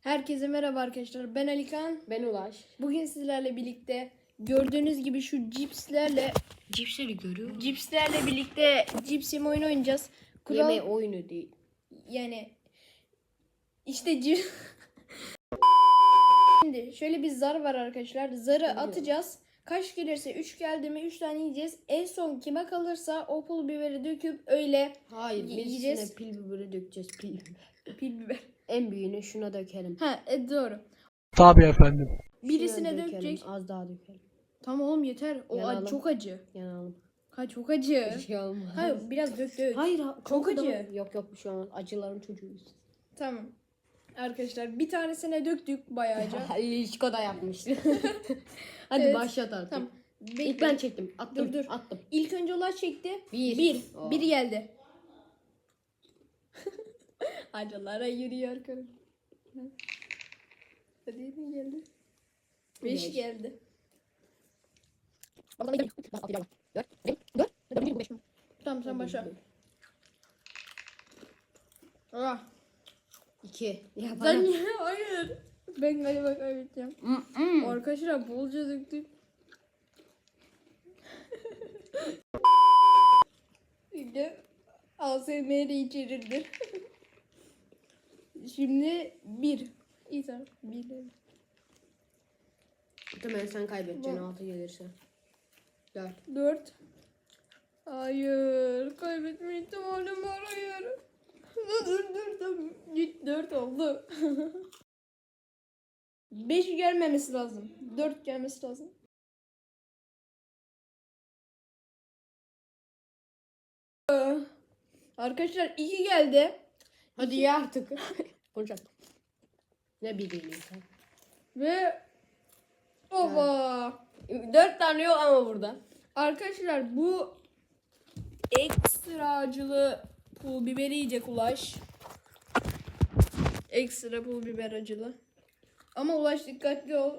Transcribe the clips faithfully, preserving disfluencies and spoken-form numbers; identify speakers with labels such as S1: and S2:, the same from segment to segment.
S1: Herkese merhaba arkadaşlar. Ben Alikan.
S2: Ben Ulaş.
S1: Bugün sizlerle birlikte gördüğünüz gibi şu cipslerle
S2: Cipsleri görüyor.
S1: cipslerle birlikte cips yeme oyunu oynayacağız. Kural,
S2: Yeme oyunu değil.
S1: yani işte cips. Şimdi şöyle bir zar var arkadaşlar. Zarı atacağız. Kaç gelirse üç geldi mi üç tane yiyeceğiz. En son kime kalırsa o pul biberi döküp öyle
S2: Hayır, biz
S1: yiyeceğiz.
S2: yine pil biberi dökeceğiz, pil biber.
S1: Pil biber.
S2: En büyüğünü şuna dökelim.
S1: Ha e, doğru.
S3: Tabii efendim.
S1: Birisine
S2: Şuna dökelim,
S1: dökecek.
S2: az daha dökelim.
S1: Tamam oğlum yeter. O
S2: Yanalım.
S1: acı, çok acı.
S2: Yanalım.
S1: Ha çok acı.
S2: Bir şey olmaz.
S1: Hayır biraz dök dök.
S2: Hayır, ha-
S1: Çok
S2: korkudan-
S1: acı.
S2: Yok yok bir şey olmaz. Acıların çocuğuyuz.
S1: Tamam. Arkadaşlar bir tanesine döktük bayağıca.
S2: İlişko da yapmıştı. Hadi
S1: Evet.
S2: başlat artık.
S1: Tamam. Bekle.
S2: İlk ben çektim. Attım.
S1: Dur, dur.
S2: Attım.
S1: İlk önce Ulaş çekti.
S2: Bir.
S1: Bir.
S2: Oo.
S1: Bir geldi. Acılara yürüyor karım. Hadi ne geldi? Beş
S2: Beş.
S1: geldi. Tamam sen başla. Ah.
S2: İki. Ya
S1: Sen
S2: bana.
S1: niye? Hayır. Ben galiba kaybedeceğim.
S2: Mm-mm.
S1: Arkadaşlar bolca döktük. Şimdi A S M R içerirdi. Şimdi bir. İyi tamam. Bir.
S2: Tamam sen kaybedeceksin
S1: Bu.
S2: altı gelirse. Dört.
S1: Dört. Hayır. Kaybetme ihtimalim var. Hayır. Dur dur dur. Tamam. Git dört oldu. Beş gelmemesi lazım. Dört gelmesi lazım. Ee, Arkadaşlar iki geldi.
S2: Hadi ye artık. Konuşalım. Ne bileyim sen.
S1: Ve oba.
S2: Dört tane yok ama burada.
S1: Arkadaşlar bu ekstra acılı pul biberi yiyecek Ulaş. Ekstra pul biber acılı. Ama Ulaş dikkatli ol.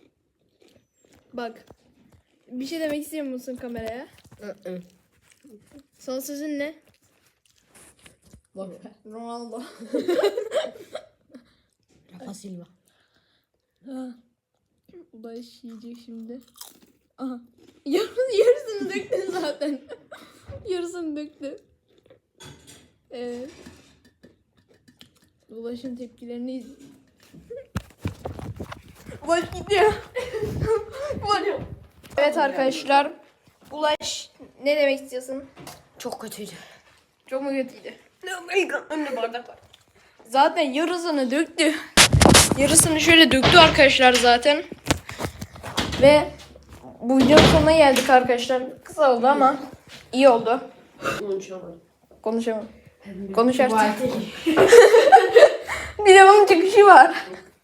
S1: Bak. Bir şey demek istiyor musun kameraya?
S2: Hı-hı.
S1: Son sözün ne?
S2: Bak.
S1: Ronaldo.
S2: Rafa Silva.
S1: Ha. Ulaş yiyecek şimdi. Aha. Yarısını, yarısını döktün zaten. Yarısını döktü. Evet. Ulaş'ın tepkilerini iz- Ulaş gidiyor. Ulaş. Evet arkadaşlar. Ulaş ne demek istiyorsun?
S2: Çok kötüydü.
S1: Çok mu kötüydü?
S2: Önüne bardak var.
S1: Zaten yarısını döktü. Yarısını şöyle döktü arkadaşlar zaten. Ve bu videonun sonuna geldik arkadaşlar. Kısa oldu ama iyi oldu.
S2: Konuşamadım.
S1: Konuşamam. Konuş artık. Bir de bunun çıkışı var.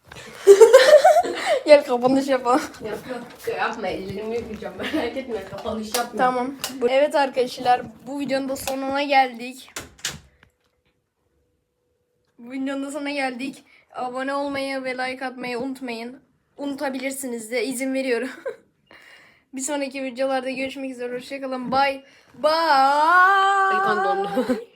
S1: Gel kapanış yapalım.
S2: Yapma. Yapma ellerimi yıkayacağım. Merak etme kapanış yapma.
S1: Tamam. Bu- Evet arkadaşlar bu videonun da sonuna geldik. Bu videonun da sonuna geldik. Abone olmayı ve like atmayı unutmayın. Unutabilirsiniz de izin veriyorum. Bir sonraki videolarda görüşmek üzere. Hoşçakalın. Bye. Bye.
S2: Elikan dondu.